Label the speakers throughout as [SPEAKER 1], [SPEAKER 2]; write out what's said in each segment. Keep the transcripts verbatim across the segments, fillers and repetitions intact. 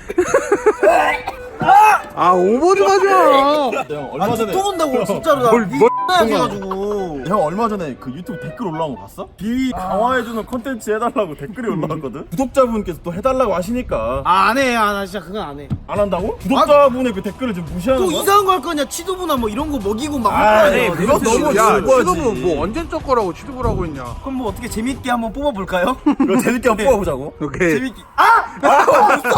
[SPEAKER 1] 아 오버 좀 하지 마.
[SPEAKER 2] 형 얼마 전에
[SPEAKER 3] 또 온다고 진짜로 나
[SPEAKER 1] 뭘- 뭘
[SPEAKER 3] 해가지고.
[SPEAKER 2] 형 얼마 전에 그 유튜브 댓글 올라온 거 봤어? 비위 강화해주는 컨텐츠 해달라고 댓글이 올라왔거든? 구독자분께서 또 해달라고 하시니까
[SPEAKER 3] 아 안 해. 아 나 진짜 그건 안 해.
[SPEAKER 2] 안 한다고? 구독자분의 그 댓글을 지금 무시하는
[SPEAKER 3] 또
[SPEAKER 2] 거야?
[SPEAKER 3] 이상한 거 할 거냐? 치도부나 뭐 이런 거 먹이고 막
[SPEAKER 2] 아,
[SPEAKER 3] 할
[SPEAKER 2] 네,
[SPEAKER 3] 거야.
[SPEAKER 2] 그거 너무
[SPEAKER 1] 야
[SPEAKER 2] 지루하지.
[SPEAKER 1] 지금은 뭐 언제 적 거라고 취급을 하고 있냐.
[SPEAKER 3] 그럼 뭐 어떻게 재밌게 한번 뽑아볼까요?
[SPEAKER 2] 이거 재밌게 한번 뽑아보자고.
[SPEAKER 1] 오케이.
[SPEAKER 3] 재밌게. 아!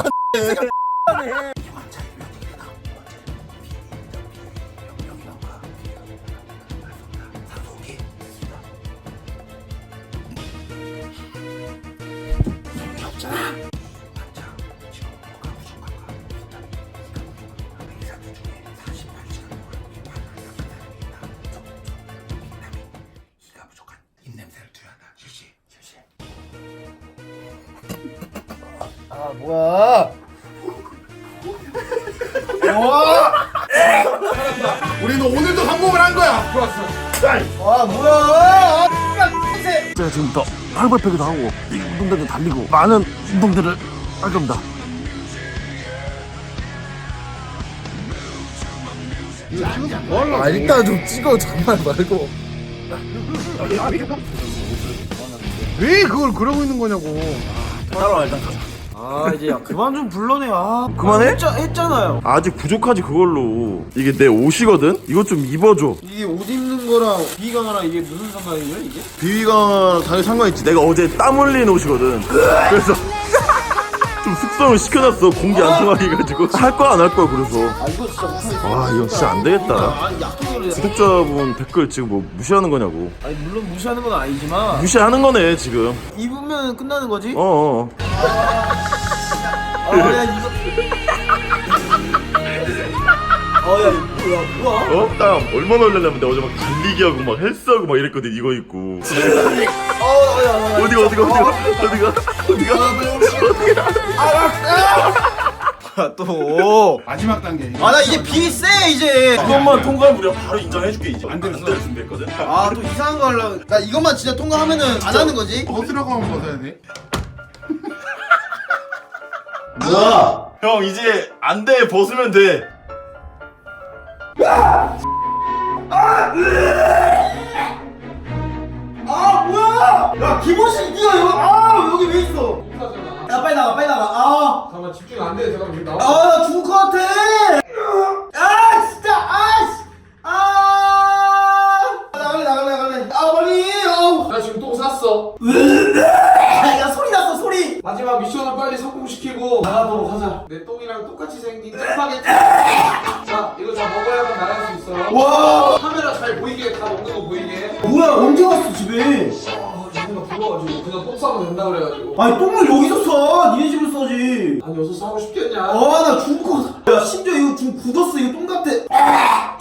[SPEAKER 3] 아 뭐야?
[SPEAKER 1] 우리는 오늘도 성공을 한 거야. 좋았어.
[SPEAKER 3] 아 뭐야?
[SPEAKER 2] 제가 지금부터 팔벌패기도 하고 이 운동대도 달리고 많은 운동들을 할 겁니다.
[SPEAKER 1] 아 일단 좀 찍어 장난 말고. 왜 그걸 그러고 있는 거냐고.
[SPEAKER 2] 따라와 일단 가자.
[SPEAKER 3] 아 이제 야 그만 좀 불러내. 아
[SPEAKER 2] 그만해?
[SPEAKER 3] 했자, 했잖아요.
[SPEAKER 2] 아직 부족하지 그걸로. 이게 내 옷이거든? 이것 좀 입어줘.
[SPEAKER 3] 이게 옷 입는 거랑 비강하랑 이게 무슨 상관이에요 이게?
[SPEAKER 2] 비위가 당연히 상관있지. 내가 어제 땀 흘린 옷이거든. 그래서 좀 숙성을 시켜놨어. 공기 안 통하게 해가지고. 할 거야 안 할 거야 그래서.
[SPEAKER 3] 아 이거 진짜 못하겠어.
[SPEAKER 2] 와 이거 진짜 안 되겠다.
[SPEAKER 3] 아니 약속을 해.
[SPEAKER 2] 구독자분 댓글 지금 뭐 무시하는 거냐고.
[SPEAKER 3] 아니 물론 무시하는 건 아니지만
[SPEAKER 2] 무시하는 거네 지금.
[SPEAKER 3] 입으면 끝나는 거지?
[SPEAKER 2] 어어.
[SPEAKER 3] 아야 이거. 아야 이거 뭐야?
[SPEAKER 2] 어? 땀 얼마나 흘렸냐면 내가 어제 막 달리기 하고 막 헬스하고 막 이랬거든. 이거 입고.
[SPEAKER 3] 어야
[SPEAKER 2] 어디가 어디가 어디가 어디가 어디가 어디가.
[SPEAKER 3] 또.
[SPEAKER 1] 마지막 단계.
[SPEAKER 3] 아 나 이제 비 세 이제.
[SPEAKER 2] 그것만 통과하면 우리가 바로 인정해줄게 이제.
[SPEAKER 1] 안 됐어.
[SPEAKER 2] 안될 준비했거든.
[SPEAKER 3] 아 또 이상한 거 하려고. 나 이것만 진짜 통과하면은 안 하는 거지?
[SPEAKER 1] 벗으라고 하면 벗어야 돼.
[SPEAKER 2] 뭐야? 형 이제 안 돼. 벗으면 돼.
[SPEAKER 3] 아 뭐야? 야 기본식 니가 여기 아 여기 왜 있어? 야 빨리 나가 빨리 나가. 아.
[SPEAKER 1] 잠깐만 집중 안 돼. 잠깐만 나와.
[SPEAKER 3] 아 나 죽을 것 같아. 아 진짜 아씨. 아. 나갈래 나갈래 나갈래. 아 빨리. 아우.
[SPEAKER 1] 나 지금 똥 쌌어.
[SPEAKER 3] 야 소리 났어 소리.
[SPEAKER 1] 마지막 미션을 빨리 성공시키고 나가도록 하자. 내 똥이랑 똑같이 생긴 짜파게티. 자, 이거 다 먹어야만 나갈 수 있어.
[SPEAKER 3] 와.
[SPEAKER 1] 카메라 잘 보이게 다 먹는 거 보이게.
[SPEAKER 3] 뭐야 언제 왔어 집에?
[SPEAKER 1] 아, 누군가 불러가지고 그냥 똥 싸면 된다 그래가지고.
[SPEAKER 3] 아니 똥을 여기서 싸. 니네 집을 싸지.
[SPEAKER 1] 아니 여기서 싸고 싶겠냐?
[SPEAKER 3] 아 나 죽을 것 같아. 야 심지어 이거 지금 굳었어. 이거 똥 같아.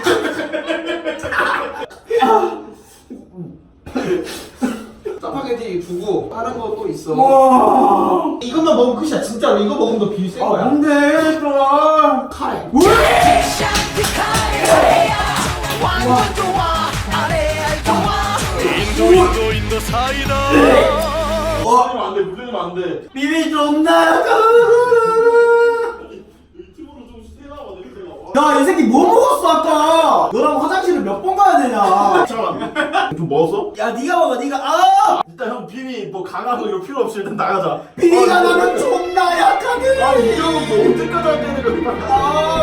[SPEAKER 1] 짜파게티 두고 다른 거 또 있어.
[SPEAKER 3] 와. 이것만 먹으면 끝이야 진짜로. 이거 먹으면 너 비위 센 거야. 뭔데 또?
[SPEAKER 1] 카레.
[SPEAKER 2] 인도 인도 사이다. 물리면 안 돼. 물리면 안 돼.
[SPEAKER 3] 비비 좀 나가.
[SPEAKER 2] 유튜브로 좀 세나와 냄새가.
[SPEAKER 3] 야 이 새끼 뭐 먹었어 아까? 너랑 화장실을 몇 번 가야 되냐?
[SPEAKER 2] 잠깐만. 좀 먹었어?
[SPEAKER 3] 야 네가 먹어 네가. 아
[SPEAKER 2] 일단 형 비니 뭐 강하고 이거 필요 없이 일단 나가자.
[SPEAKER 3] 비비가 나는 존나 약하게.
[SPEAKER 2] 아 이런 거뭐 언제까지 할 때는
[SPEAKER 3] 아